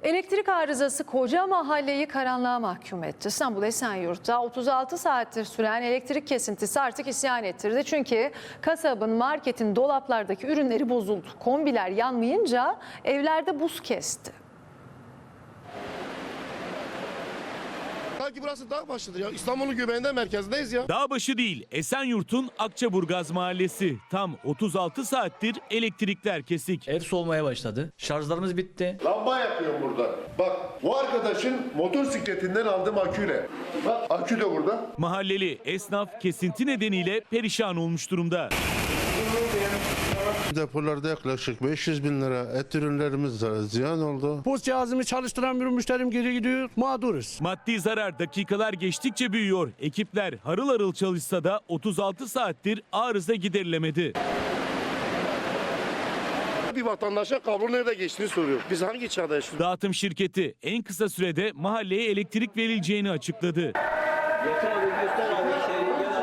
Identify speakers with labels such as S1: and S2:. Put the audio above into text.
S1: Elektrik arızası koca mahalleyi karanlığa mahkum etti. İstanbul Esenyurt'ta 36 saattir süren elektrik kesintisi artık isyan ettirdi. Çünkü kasabın, marketin dolaplardaki ürünleri bozuldu. Kombiler yanmayınca evlerde buz kesti.
S2: Sanki burası dağ başıdır ya. İstanbul'un göbeğinde, merkezdeyiz ya.
S3: Dağbaşı değil, Esenyurt'un Akçaburgaz mahallesi. Tam 36 saattir elektrikler kesik.
S4: Ev soğumaya başladı. Şarjlarımız bitti.
S2: Lamba yakıyorum burada. Bak bu arkadaşın motosikletinden aldığım aküyle. Bak akü de burada.
S3: Mahalleli esnaf kesinti nedeniyle perişan olmuş durumda.
S5: Depolarda yaklaşık 500 bin lira et ürünlerimiz ziyan oldu.
S6: Post cihazımı çalıştıran bir müşterim geri gidiyor. Mağduruz.
S3: Maddi zarar dakikalar geçtikçe büyüyor. Ekipler harıl harıl çalışsa da 36 saattir arıza giderilemedi.
S2: Bir vatandaşa kablo nerede geçtiğini soruyor. Biz hangi çağda yaşıyoruz?
S3: Dağıtım şirketi en kısa sürede mahalleye elektrik verileceğini açıkladı.
S4: Yeter abi, göster abi.